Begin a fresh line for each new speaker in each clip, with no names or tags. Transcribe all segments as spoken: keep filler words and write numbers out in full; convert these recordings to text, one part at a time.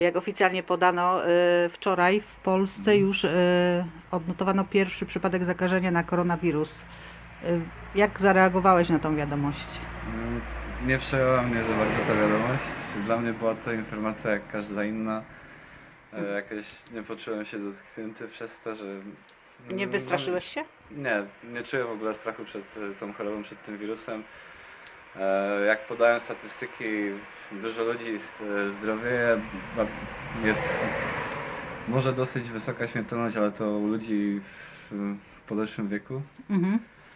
Jak oficjalnie podano, y, wczoraj w Polsce już y, odnotowano pierwszy przypadek zakażenia na koronawirus. Y, Jak zareagowałeś na tą wiadomość?
Mm, Nie przejęła mnie za bardzo ta wiadomość. Dla mnie była to informacja jak każda inna. E, Jakoś nie poczułem się dotknięty przez to, że...
Nie
mm,
wystraszyłeś się?
Nie, nie czuję w ogóle strachu przed e, tą chorobą, przed tym wirusem. E, Jak podają statystyki, dużo ludzi z- e, zdrowieje, ba- jest może dosyć wysoka śmiertelność, ale to u ludzi w, w podeszłym wieku.
Mhm.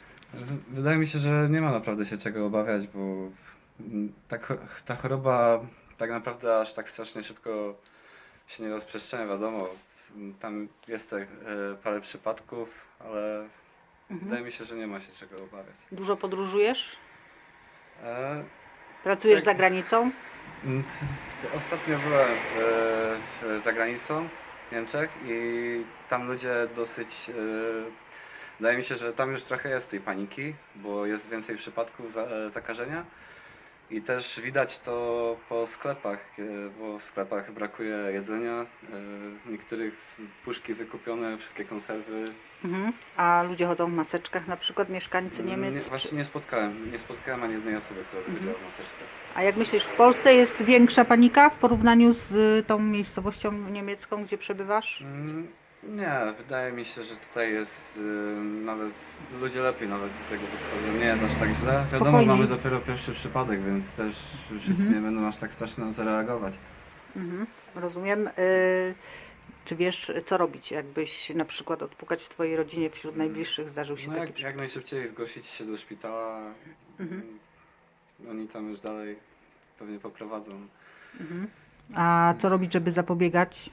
W- Wydaje mi się, że nie ma naprawdę się czego obawiać, bo mm, ta, cho- ta choroba tak naprawdę aż tak strasznie szybko się nie rozprzestrzenia, wiadomo. mm, Tam jest te, e, parę przypadków, ale wydaje mi się, że nie ma się czego obawiać.
Dużo podróżujesz?
E,
Pracujesz
Tak.
za granicą?
mm, t- t- Ostatnio byłem w, w, za granicą w Niemczech i tam ludzie dosyć... e, Wydaje mi się, że tam już trochę jest tej paniki, bo jest więcej przypadków za, e, zakażenia i też widać to po sklepach, e, bo w sklepach brakuje jedzenia, e, niektórych puszki wykupione, wszystkie konserwy.
Mhm. A ludzie chodzą w maseczkach, na przykład mieszkańcy Niemiec?
Nie, właśnie nie spotkałem, nie spotkałem ani jednej osoby, która by chodziła w maseczce.
A jak myślisz, w Polsce jest większa panika w porównaniu z y, tą miejscowością niemiecką, gdzie przebywasz?
Mm, Nie, wydaje mi się, że tutaj jest y, nawet, ludzie lepiej nawet do tego podchodzą, nie jest aż tak źle. Wiadomo,
Spokojniej.
mamy dopiero pierwszy przypadek, więc też wszyscy nie będą aż tak strasznie na to reagować.
Mhm. Rozumiem. Y, Czy wiesz, co robić, jakbyś na przykład odpukać w twojej rodzinie wśród najbliższych zdarzył się
No
taki
jak,
przypadek?
jak najszybciej zgłosić się do szpitala,
Mhm.
mm, oni tam już dalej pewnie poprowadzą.
Mhm. A co robić, żeby zapobiegać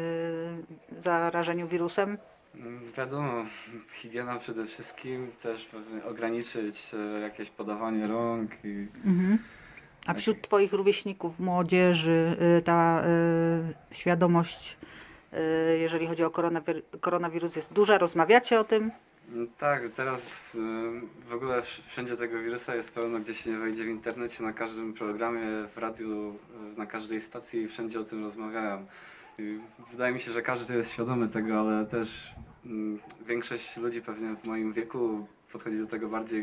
y, zarażeniu wirusem?
Mm, Wiadomo, higiena przede wszystkim, też pewnie ograniczyć e, jakieś podawanie rąk i
Mhm. A wśród twoich rówieśników, młodzieży, y, ta y, świadomość, y, jeżeli chodzi o koronawir koronawirus, jest duża? Rozmawiacie o tym?
Mm, Tak, teraz y, w ogóle wsz- wszędzie tego wirusa jest pełno, gdzie się nie wejdzie w internecie, na każdym programie, w radiu, y, na każdej stacji, wszędzie o tym rozmawiają. I wydaje mi się, że każdy jest świadomy tego, ale też mm, większość ludzi pewnie w moim wieku podchodzi do tego bardziej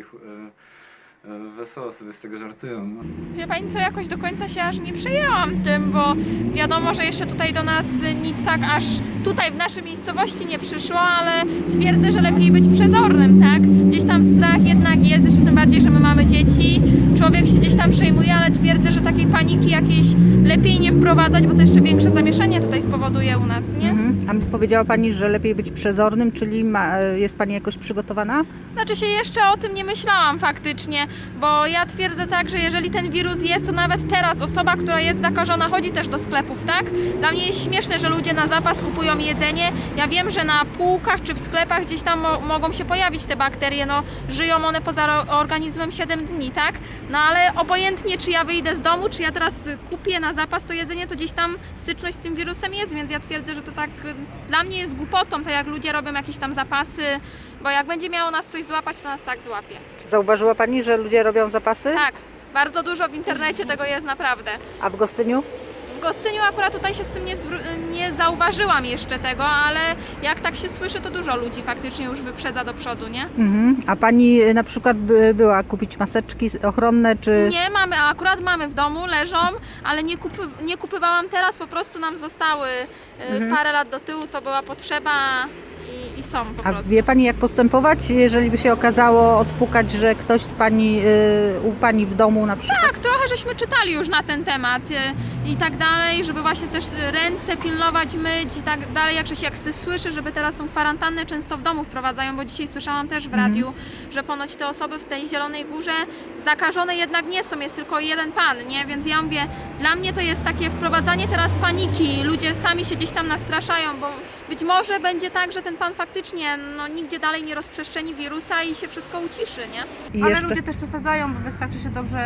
y, y, wesoło, sobie z tego żartują. No.
Wie pani co, jakoś do końca się aż nie przejęłam tym, bo wiadomo, że jeszcze tutaj do nas nic tak aż tutaj w naszej miejscowości nie przyszło, ale twierdzę, że lepiej być przezornym, tak? Gdzieś tam strach jednak jest, jeszcze tym bardziej, że my mamy dzieci, człowiek się gdzieś tam przejmuje, ale twierdzę, że takiej paniki jakiejś lepiej nie wprowadzać, bo to jeszcze większe zamieszanie tutaj spowoduje u nas, nie?
Mhm. A powiedziała Pani, że lepiej być przezornym, czyli ma, jest Pani jakoś przygotowana?
Znaczy się jeszcze o tym nie myślałam faktycznie, bo ja twierdzę tak, że jeżeli ten wirus jest, to nawet teraz osoba, która jest zakażona, chodzi też do sklepów, tak? Dla mnie jest śmieszne, że ludzie na zapas kupują jedzenie. Ja wiem, że na półkach czy w sklepach gdzieś tam mo mogą się pojawić te bakterie, no żyją one poza organizmem siedem dni, tak? No ale obojętnie czy ja wyjdę z domu, czy ja teraz y, kupię na zapas to jedzenie, to gdzieś tam styczność z tym wirusem jest, więc ja twierdzę, że to tak y, dla mnie jest głupotą, tak jak ludzie robią jakieś tam zapasy, bo jak będzie miało nas coś złapać, to nas tak złapie.
Zauważyła Pani, że ludzie robią zapasy?
Tak, bardzo dużo w internecie tego jest naprawdę.
A w Gostyniu?
W Gostyniu akurat tutaj się z tym nie, zwró- nie zauważyłam jeszcze tego, ale jak tak się słyszy, to dużo ludzi faktycznie już wyprzedza do przodu, nie?
Mhm. A Pani y, na przykład by, była kupić maseczki ochronne, czy...
Nie mamy, a akurat mamy w domu, leżą, ale nie, kupy, nie kupywałam teraz, po prostu nam zostały y, parę lat do tyłu, co była potrzeba i, i są po
A
prostu.
wie Pani, jak postępować, jeżeli by się okazało odpukać, że ktoś z Pani, y, u Pani w domu na przykład?
Tak, trochę żeśmy czytali już na ten temat y, i tak dalej, żeby właśnie też ręce pilnować, myć i tak dalej, jak się jak się słyszy, żeby teraz tą kwarantannę często w domu wprowadzają, bo dzisiaj słyszałam też w radiu, że ponoć te osoby w tej Zielonej Górze zakażone jednak nie są, jest tylko jeden pan, nie? Więc ja mówię, dla mnie to jest takie wprowadzanie teraz paniki, ludzie sami się gdzieś tam nastraszają, bo być może będzie tak, że ten pan faktycznie no, nigdzie dalej nie rozprzestrzeni wirusa i się wszystko uciszy, nie?
I
Ale
jeszcze...
ludzie też przesadzają, bo wystarczy się dobrze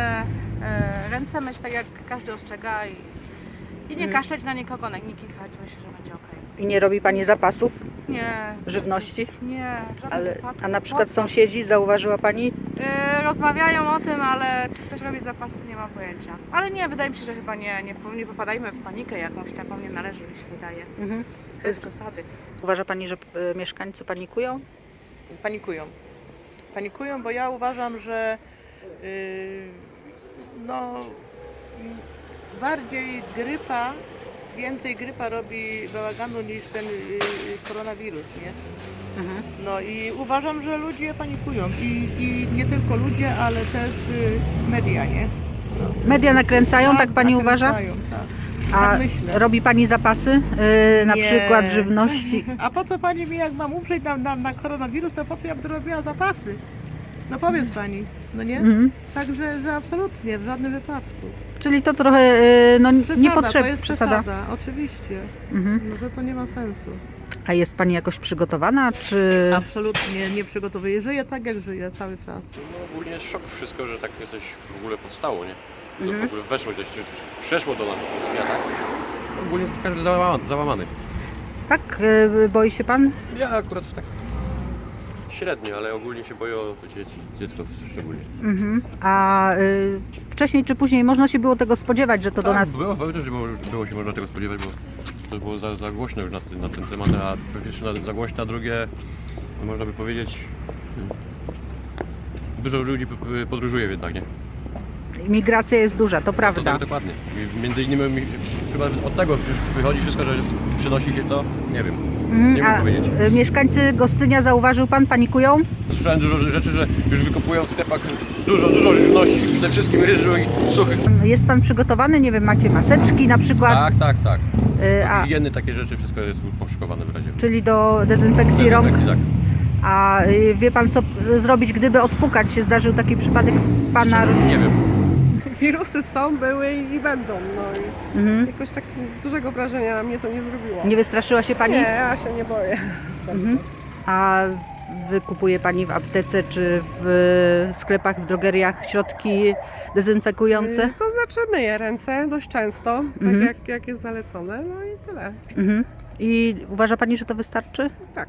e, ręce myć, tak jak każdy ostrzega i, i nie
Mm.
kaszleć na nikogo, na nie kichać, myślę, że będzie okej.
I nie robi pani zapasów
Nie.
żywności?
Nie, w żadnym
Ale,
wypadku.
a na przykład
Po co?
sąsiedzi, zauważyła pani?
Yy, rozmawiają o tym, ale czy ktoś robi zapasy, nie mam pojęcia. Ale nie, wydaje mi się, że chyba nie, nie, nie popadajmy w panikę jakąś taką, nie należy, mi się wydaje.
Mhm.
Bez przesady.
Uważa pani, że y, mieszkańcy panikują?
Panikują. Panikują, bo ja uważam, że yy, no, m, bardziej grypa, więcej grypa robi bałaganu niż ten yy, koronawirus, nie?
Mhm.
No i uważam, że ludzie panikują i, i nie tylko ludzie, ale też yy, media, nie?
Media nakręcają, tak pani uważa?
nakręcają, tak.
A
tak myślę.
robi pani zapasy? Y, na
Nie.
przykład żywności?
A po co pani mi, jak mam umrzeć na, na, na koronawirus, to po co ja bym robiła zapasy? No powiedz pani, no nie?
Mhm.
Także, że absolutnie, w żadnym wypadku.
Czyli to trochę y, no,
Przesada,
niepotrzebne.
to jest przesada, oczywiście.
Mhm.
No to, to nie ma sensu.
A jest pani jakoś przygotowana, czy...
Absolutnie nie przygotowuję. Żyję tak, jak żyję cały czas.
No ogólnie jest szok wszystko, że takie coś w ogóle powstało, nie? To
Mhm.
w ogóle weszło gdzieś, przeszło do nas do Polski, a tak? Ogólnie to każdy załamany. załamany.
Tak? Y, boi się pan?
Ja akurat tak średnio, ale ogólnie się boję o to dzieci, dziecko szczególnie.
Mhm. A y, wcześniej czy później można się było tego spodziewać, że to do
Tak,
nas...
Było, pewnie, że było, było się można tego spodziewać, bo to było za, za głośno już na, ten- na ten temat, a po pierwsze na- za głośno, a drugie, no można by powiedzieć, hmm, dużo ludzi p- p- podróżuje jednak, nie?
Migracja jest duża, to
To,
prawda.
to, dokładnie. I między innymi mi- chyba od tego już wychodzi wszystko, że przynosi się to, nie wiem,
Mhm.
nie
A
mogę powiedzieć.
y, mieszkańcy Gostynia, zauważył pan, panikują?
Słyszałem dużo rzeczy, że już wykupują w sklepach dużo, dużo żywności, przede wszystkim ryżu i suchych.
Jest pan przygotowany? Nie wiem, macie maseczki na przykład?
Tak, tak, tak.
Y, a,
Higieny, takie rzeczy, wszystko jest poszykowane w razie.
czyli do dezynfekcji rąk?
Dezynfekcji, tak.
A y, wie pan, co y, zrobić, gdyby odpukać się? Zdarzył taki przypadek pana...
Nie wiem.
Wirusy są, były i będą, no i
Mhm.
jakoś tak dużego wrażenia na mnie to nie zrobiło.
Nie wystraszyła się pani?
Nie, ja się nie boję.
Mhm. A wykupuje pani w aptece czy w sklepach, w drogeriach środki dezynfekujące?
Y, To znaczy myję ręce dość często, tak
Mhm.
jak, jak jest zalecone, no i tyle.
Mhm. I uważa pani, że to wystarczy?
Tak.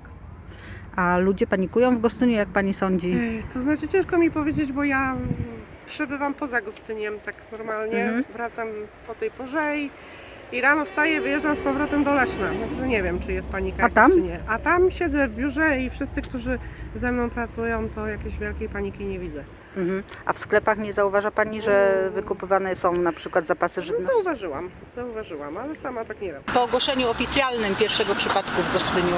A ludzie panikują w Gostyniu, jak pani sądzi?
Y, To znaczy ciężko mi powiedzieć, bo ja mm, przebywam poza Gostyniem tak normalnie,
Mhm.
wracam po tej porze i, i rano wstaję, wyjeżdżam z powrotem do Leszna, także nie wiem, czy jest panika
A tam?
czy nie. A tam siedzę w biurze i wszyscy, którzy ze mną pracują, to jakiejś wielkiej paniki nie widzę.
Mhm. A w sklepach nie zauważa pani, że wykupywane są na przykład zapasy
No,
żywności?
zauważyłam, zauważyłam, ale sama tak nie robię.
Po ogłoszeniu oficjalnym pierwszego przypadku w Gostyniu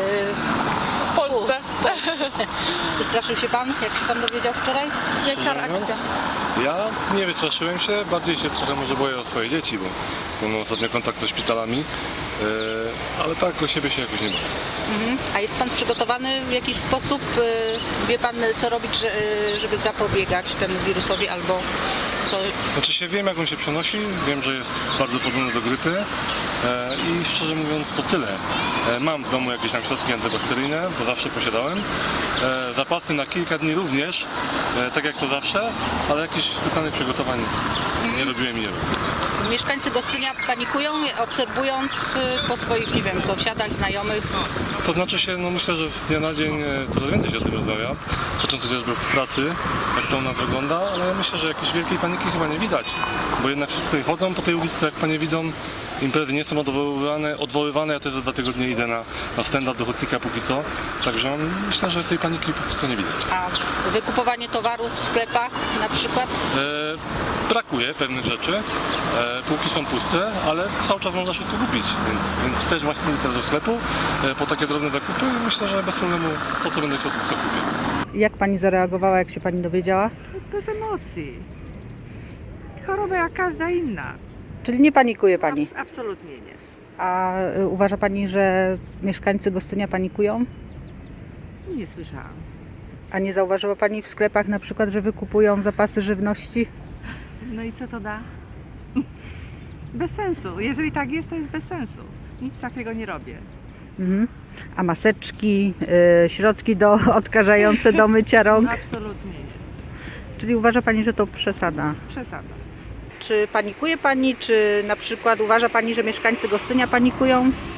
W Polsce.
wystraszył się pan, jak się pan dowiedział wczoraj?
Jaka reakcja?
Ja nie wystraszyłem się, bardziej się trochę może boję o swoje dzieci, bo bo mam ostatnio kontakt ze szpitalami, yy, ale tak o siebie się jakoś nie boję.
Mhm. A jest pan przygotowany w jakiś sposób? Y, Wie pan, co robić, że- y, żeby zapobiegać temu wirusowi albo co?
Znaczy się wiem, jak on się przenosi, wiem, że jest bardzo podobny do grypy e, i szczerze mówiąc to tyle. E, mam w domu jakieś tam środki antybakteryjne, bo zawsze posiadałem. E, zapasy na kilka dni również, e, tak jak to zawsze, ale jakichś specjalnych przygotowań nie robiłem i nie robię.
Mieszkańcy Gostynia panikują, obserwując y, po swoich, nie wiem, sąsiadach, znajomych.
To znaczy się, no myślę, że z dnia na dzień e, coraz więcej się o tym rozmawia, patrząc chociażby w pracy, jak to u nas wygląda, ale myślę, że jakiejś wielkiej paniki chyba nie widać, bo jednak wszyscy tutaj chodzą po tej ulicy, jak panie widzą, imprezy nie są odwoływane, odwoływane. Ja też za dwa tygodnie idę na, na stand-up do Hutnika póki co, także myślę, że tej paniki póki co nie widać.
A wykupowanie towarów w sklepach na przykład?
E, brakuje pewnych rzeczy, e, półki są puste, ale cały czas można wszystko kupić, więc, więc też właśnie idę do sklepu e, po takie drobne zakupy i myślę, że bez problemu to, co będę chciał, to kupię.
Jak pani zareagowała, jak się pani dowiedziała?
Bez emocji. Choroba jak każda inna.
Czyli nie panikuje pani?
Ab- absolutnie nie.
A y, uważa pani, że mieszkańcy Gostynia panikują?
Nie słyszałam.
A nie zauważyła pani w sklepach na przykład, że wykupują zapasy żywności?
No i co to da? Bez sensu. Jeżeli tak jest, to jest bez sensu. Nic takiego nie robię.
Mhm. A maseczki, y, środki do odkażające do mycia rąk?
Absolutnie nie.
Czyli uważa pani, że to przesada?
Przesada.
Czy panikuje pani, czy na przykład uważa pani, że mieszkańcy Gostynia panikują?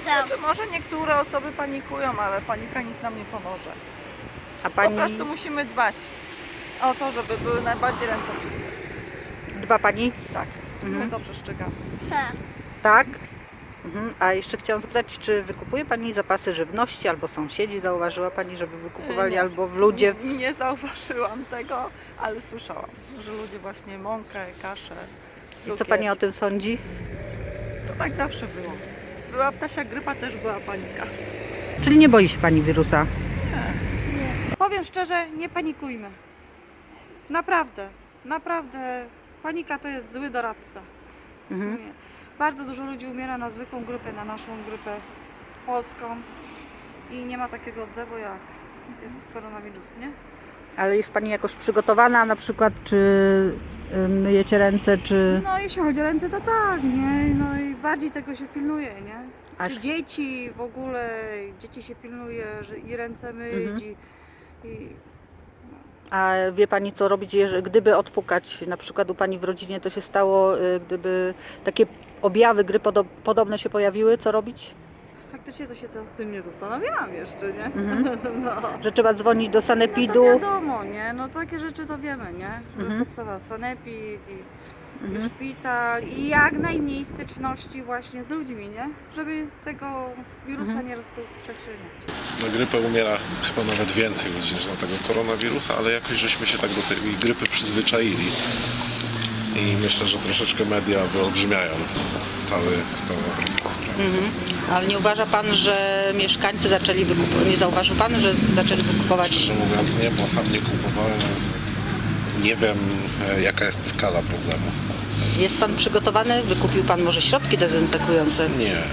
Znaczy, może niektóre osoby panikują, ale panika nic nam nie pomoże.
A
Po
pani
prostu musimy dbać o to, żeby były najbardziej ręce czyste.
dba pani?
Tak,
Mhm.
my to przestrzegamy.
Tak. Mhm. A jeszcze chciałam zapytać, czy wykupuje pani zapasy żywności, albo sąsiedzi zauważyła pani, żeby wykupowali,
Nie.
albo w ludzie? W...
Nie zauważyłam tego, ale słyszałam, że ludzie właśnie mąkę, kaszę,
I co
cukier.
pani o tym sądzi?
To tak zawsze było. Była ptasia grypa, też była panika.
Czyli nie boi się pani wirusa?
Powiem szczerze, nie panikujmy. Naprawdę, naprawdę. Panika to jest zły doradca.
Mhm.
Nie. Bardzo dużo ludzi umiera na zwykłą grypę, na naszą grypę polską i nie ma takiego odzewu jak jest koronawirus, nie?
Ale jest pani jakoś przygotowana, na przykład, czy y, myjecie ręce, czy...
No jeśli chodzi o ręce, to tak, nie? No i bardziej tego się pilnuje, nie?
A
Czy
się-
dzieci w ogóle, dzieci się pilnuje, że i ręce myć
Mhm.
i, i
A wie pani, co robić, jeżeli, gdyby odpukać, na przykład u pani w rodzinie to się stało, y, gdyby takie objawy gry podo- podobne się pojawiły, co robić?
faktycznie to się to, tym nie zastanawiałam jeszcze, nie?
Mhm.
No.
Że trzeba dzwonić do
No
sanepidu?
to wiadomo, nie? No takie rzeczy to wiemy, nie?
Mhm.
Podstawa sanepid i,
Mhm.
i szpital i jak najmniej styczności właśnie z ludźmi, nie? Żeby tego wirusa
Mhm.
nie rozprzestrzeniać.
Na grypę umiera chyba nawet więcej ludzi niż na tego koronawirusa, ale jakoś żeśmy się tak do tej grypy przyzwyczaili. I myślę, że troszeczkę media wyolbrzymiają cały, cały obraz tej sprawy.
Mhm. Ale nie uważa pan, że mieszkańcy zaczęli wykupować, nie zauważył pan, że zaczęli wykupować?
Szczerze mówiąc nie, bo sam nie kupowałem, więc nie wiem e, jaka jest skala problemu.
Jest pan przygotowany? Wykupił pan może środki dezynfekujące?
Nie, nie.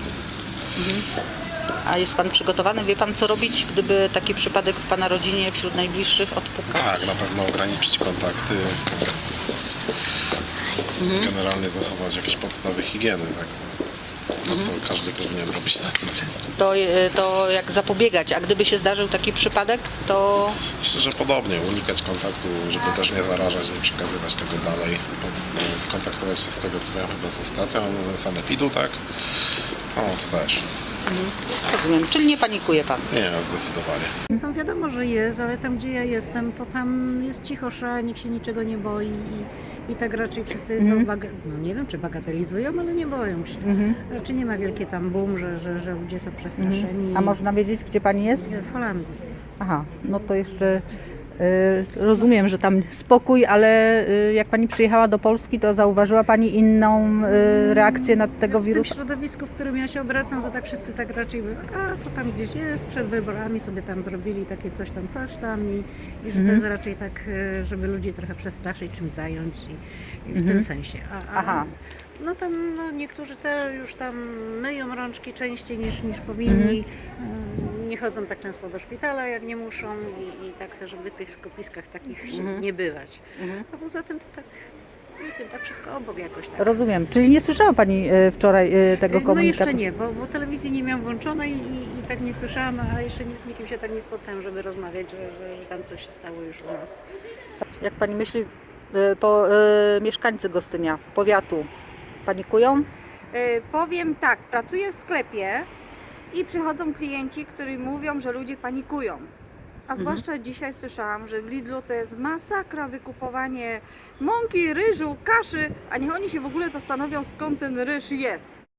A jest pan przygotowany? Wie pan, co robić, gdyby taki przypadek w pana rodzinie, wśród najbliższych odpukać?
Tak, na pewno ograniczyć kontakty.
Mhm.
Generalnie zachować jakieś podstawy higieny, tak? To co każdy powinien robić na co dzień.
To, y, to jak zapobiegać? A gdyby się zdarzył taki przypadek, to
Myślę, że podobnie, unikać kontaktu, żeby też nie zarażać, nie przekazywać tego dalej. Po- Skontaktować się z tego, co miałem chyba ze stacją sanepidu, tak? No, to też.
rozumiem. Czyli nie panikuje pan?
Nie, zdecydowanie.
Są wiadomo, że jest, ale tam gdzie ja jestem, to tam jest cichosza, nikt się niczego nie boi i, i tak raczej wszyscy
Mhm.
to, baga- no nie wiem czy bagatelizują, ale nie boją się.
Mhm.
Raczej nie ma wielkie tam boom, że, że, że ludzie są przestraszeni.
Mhm. A można wiedzieć, gdzie pani jest?
W Holandii.
Aha, no to jeszcze y, rozumiem, że tam spokój, ale y, jak pani przyjechała do Polski, to zauważyła pani inną y, reakcję na tego
W tym
wirusa?
środowisku, w którym ja się obracam, to tak wszyscy tak raczej, a to tam gdzieś jest, przed wyborami sobie tam zrobili takie coś tam, coś tam i, i że
Mhm.
to jest raczej tak, e, żeby ludzi trochę przestraszyć, czymś zająć i, i w
Mhm.
tym sensie. A, a,
Aha.
No tam no, niektórzy te już tam myją rączki częściej niż, niż powinni, E, nie chodzą tak często do szpitala jak nie muszą i, i tak, żeby w tych skupiskach takich
Mhm.
nie bywać.
Mhm.
A poza tym to tak, nie wiem, tak wszystko obok jakoś tak.
Rozumiem, czyli nie słyszała pani y, wczoraj y, tego
No
komunikatu?
jeszcze nie, bo, bo telewizji nie miałam włączonej i, i tak nie słyszałam, a jeszcze nie, z nikim się tak nie spotkałam, żeby rozmawiać, że, że, że tam coś się stało już u nas.
Jak pani myśli, y, po, y, mieszkańcy Gostynia, powiatu, panikują?
Y, powiem tak, pracuję w sklepie i przychodzą klienci, którzy mówią, że ludzie panikują. A zwłaszcza dzisiaj słyszałam, że w Lidlu to jest masakra wykupowanie mąki, ryżu, kaszy, a niech oni się w ogóle zastanowią, skąd ten ryż jest.